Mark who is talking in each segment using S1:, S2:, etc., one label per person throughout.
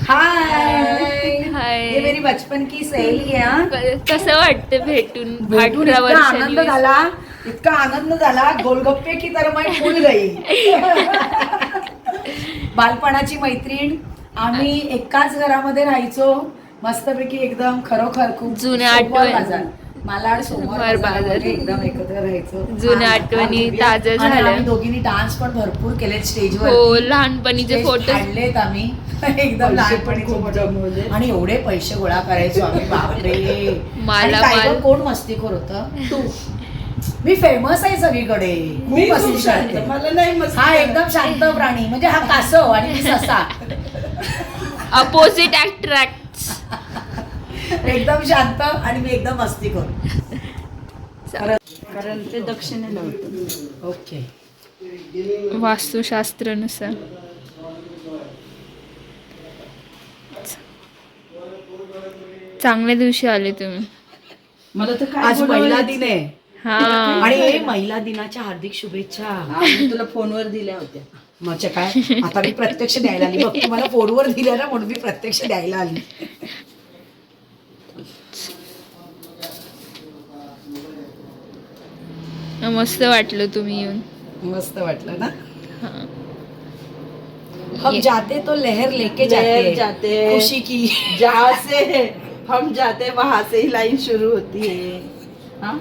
S1: हाय
S2: हाय.
S1: ये मेरी बचपन की सहेली है हाँ.
S2: कसं वाटतं भेटून
S1: भेटून
S2: 18
S1: इतका आनंद
S2: वर्षांनी?
S1: झाला, इतका आनंद झाला, गोलगप्पे की तर मैं फुल गई. बालपणाची मैत्रीण, आम्ही एकाच घरामध्ये राहायचो मस्तपैकी एकदम खरोखर खूप
S2: जुन्या
S1: सोमवार
S2: आठवण.
S1: बाजार मालाड सोमवार
S2: सोमवार
S1: बाजारामध्ये
S2: बाजार.
S1: एकदम एकत्र राहायचो.
S2: जुन्या
S1: हा,
S2: आठवणी
S1: हा,
S2: ताज्या
S1: आणि
S2: झाल्या.
S1: आम्ही दोघींनी डान्स पण भरपूर केले स्टेजवर.
S2: हो, लहानपणीचे फोटो.
S1: काढलेत आम्ही एकदम लहानपणीचे फोटो. आणि एवढे पैसे गोळा करायचो आम्ही बापरे. आणि
S2: माला
S1: काय
S2: माल.
S1: गं, कोण मस्तीखोर होतं? तू. मी फेमस आहे सगळीकडे. खूप मस्ती करते.
S3: मला नाही मस्त.
S1: हा एकदम शांत प्राणी म्हणजे हा कासव आणि मी ससा.
S2: Opposite attract.
S1: एकदम शांत आणि मी एकदम मस्तीखोर.
S3: कारण ते दक्षिणेला होतं.
S1: ओके.
S2: वास्तुशास्त्रानुसार. चांगल्या दिवशी आले तुम्ही.
S3: मला तर काय
S1: आज महिला दिन आहे
S2: हा.
S1: आणि महिला दिनाच्या हार्दिक शुभेच्छा.
S3: मी तुला फोनवर दिल्या होत्या.
S1: म्हणजे काय आता मी प्रत्यक्ष द्यायला आली बघ. तुम्हाला फोनवर दिल्या ना म्हणून मी प्रत्यक्ष द्यायला आली.
S2: मस्त वाटलं तुम्ही येऊन.
S1: मस्त वाटलं ना.
S2: हा.
S1: हम जाते तो लहर लेके
S3: लहर
S1: जाते
S3: जाते.
S1: खुशी की.
S3: जहाँ से हम जाते वहां से ही लाइन शुरू होती है. हाँ?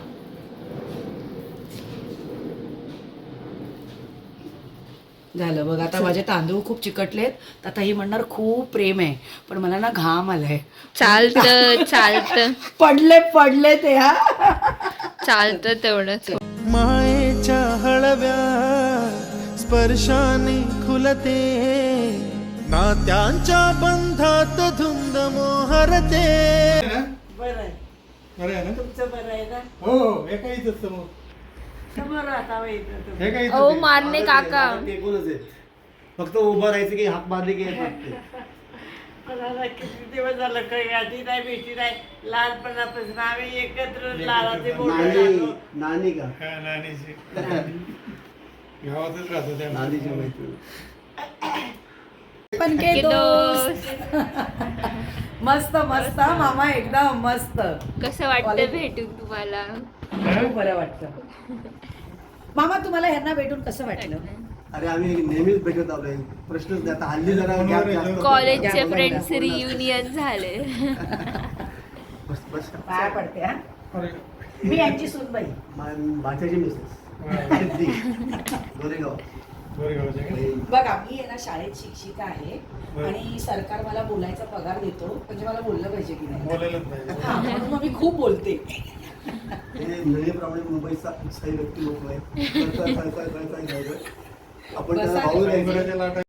S1: झालं बघ. आता माझे तांदूळ खूप चिकटलेत. तर आता ही म्हणणार खूप प्रेम आहे पण मला ना घाम आलाय.
S2: चालतं चालतं
S1: पडले ते हा.
S2: चालतं तेवढंच.
S4: मायेच्या हळव्या स्पर्शाने खुलते नात्यांच्या बंधात धुंद मोहरते.
S3: बरं आहे.
S4: बरं आहे ना?
S3: तुमचं बरं आहे ना?
S4: हो हो हे काहीच असतं मग
S3: बरं आता माहिती तुम्ही.
S4: हे काहीच
S2: अहो,
S4: असतं.
S2: मारणे
S4: माझं ते-
S2: काका.
S4: माझं ते एकूणच आहे. फक्त उभं राहायचं की हात मारले की येतात ते.
S3: मला किती दिवस झालं काही गाठी नाही भेटी नाही. लहानपणापासून आम्ही एकत्र लहानाचे मोठे
S4: नानी
S3: झालो.
S4: नानी का
S5: नानीची गावातच राहतो त्या
S4: नानीची मैत्रीण.
S1: पण के दोस्त.
S2: दोस्त.
S1: मस्त मस्त हा मामा एकदम मस्त.
S2: कसं वाटतं भेटून तुम्हाला?
S1: खूप बरं वाटतं. मामा तुम्हाला ह्यांना भेटून कसं वाटलं?
S4: अरे आम्ही नेहमीच भेटत आलोय. प्रश्नच नाही. आता हल्ली जरा gap जास्त होतो.
S2: कॉलेजचे
S1: या
S2: फ्रेंड्स
S1: बोला.
S2: रियुनियन झाले.
S4: बस बस
S1: पाया पडते हा.
S5: अरे,
S1: मी यांची सूनबाई.
S4: भाच्याची मिसेस गोरेगाव.
S5: गोरेगावचे का?
S1: बघा मी आहे ना शाळेत शिक्षिका आहे
S5: बरं.
S1: आणि सरकार मला बोलायचा पगार देतो म्हणजे मला बोललं पाहिजे की नाही.
S5: बोलायलाच नाही.
S1: हा, म्हणून मग मी खूप बोलते.
S4: हे नळीप्रमाणे मुंबईचा स्थायी व्यक्ती लोक आहे. काय आपण
S1: बसा.
S4: त्याला भाऊ द्यायचं.
S5: डोंगराच्या लाटा